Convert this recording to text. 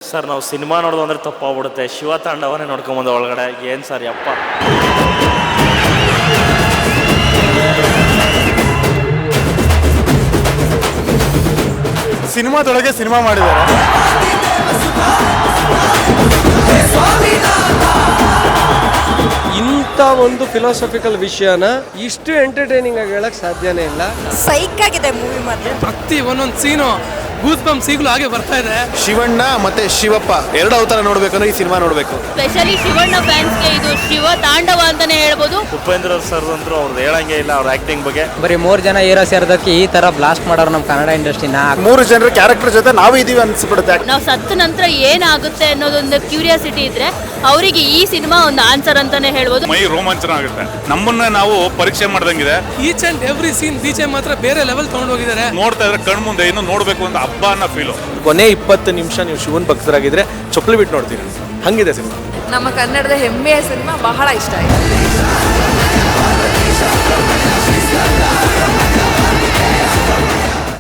Sir ನಾವು cinema ನೋಡೋದು ಅಂದರೆ ತಪ್ಪಾಗ್ಬಿಡುತ್ತೆ. ಶಿವ ತಾಂಡವನೇ ನೋಡ್ಕೊಂಬಂದು ಒಳಗಡೆ ಏನು ಸರ್ ಯಪ್ಪ. ಸಿನಿಮಾದೊಳಗೆ ಸಿನಿಮಾ ಮಾಡಿದ್ದಾರೆ. ಇಂಥ ಒಂದು ಫಿಲಾಸಫಿಕಲ್ ವಿಷಯನ ಇಷ್ಟು ಎಂಟರ್ಟೈನಿಂಗ್ ಆಗಿ ಹೇಳಕ್ ಸಾಧ್ಯನೇ ಇಲ್ಲ. ಸೈಕ್ ಆಗಿದೆ ಮೂವಿ ಮಾತ್ರ. ಪ್ರತಿ ಒಂದೊಂದು ಸೀನು ಗೂಸ್ ಬಂಪ್ ಈಗಲೂ ಹಾಗೆ ಬರ್ತಾ ಇದೆ. ಶಿವಣ್ಣ ಮತ್ತೆ ಶಿವಪ್ಪ ಎರಡು ಅವತಾರ ನೋಡ್ಬೇಕಂದ್ರೆ ಈ ಸಿನಿಮಾ ನೋಡ್ಬೇಕು. ಸ್ಪೆಷಲಿ ಶಿವಣ್ಣ ಫ್ಯಾನ್ಸ್ಗೆ ಇದು ಶಿವ ತಾಂಡವ ಅಂತಾನೆ ಹೇಳ್ಬೋದು. ಉಪೇಂದ್ರ ಸರ್ ಅಂತೂ ಅವ್ರದ್ದು ಹೇಳಂಗೆ ಇಲ್ಲ ಅವ್ರ ಆಕ್ಟಿಂಗ್ ಬಗ್ಗೆ. ಬರೀ 3 ಜನ ಹೀರೋ ಸೇರೋದಕ್ಕೆ ಈ ತರ ಬ್ಲಾಸ್ಟ್ ಮಾಡೋರು ನಮ್ಮ ಕನ್ನಡ ಇಂಡಸ್ಟ್ರಿನ. 3 ಜನರ ಕ್ಯಾರೆಕ್ಟರ್ ಜೊತೆ ನಾವು ಇದೀವಿ ಅನ್ಸ್ಬಿಡುತ್ತೆ. ನಾವು ಸತ್ತ ನಂತರ ಏನಾಗುತ್ತೆ ಅನ್ನೋದೊಂದು ಕ್ಯೂರಿಯಾಸಿಟಿ ಇದ್ರೆ ಅವರಿಗೆ ಈ ಸಿನಿಮಾ ಒಂದು ಆನ್ಸರ್ ಅಂತಾನೆ ಹೇಳ್ಬೋದು. ಮೈ ರೋಮಾಂಚನ ಆಗುತ್ತೆ. ನಮ್ಮನ್ನ ನಾವು ಪರೀಕ್ಷೆ ಮಾಡ್ದಂಗಿದೆ. Each and every scene DJ ಮಾತ್ರ ಬೇರೆ ಲೆವೆಲ್ ತಗೊಂಡು ಹೋಗಿದ್ದಾರೆ. ನೋಡ್ತಾ ಇದ್ರೆ ಕಣ್ ಮುಂದೆ ಇನ್ನು ನೋಡ್ಬೇಕು ಅಂತ ಹಬ್ಬ ಅನ್ನೋ ಫೀಲು. ಕೊನೆ 20 ನಿಮಿಷ ನೀವು ಶಿವನ್ ಭಕ್ತರಾಗಿದ್ರೆ ಚೊಕ್ಲಿ ಬಿಟ್ಟು ನೋಡ್ತೀರಿ. ಹಂಗಿದೆ ಸಿನಿಮಾ. ನಮ್ಮ ಕನ್ನಡದ ಹೆಮ್ಮೆಯ ಸಿನಿಮಾ, ಬಹಳ ಇಷ್ಟ ಆಯಿತು.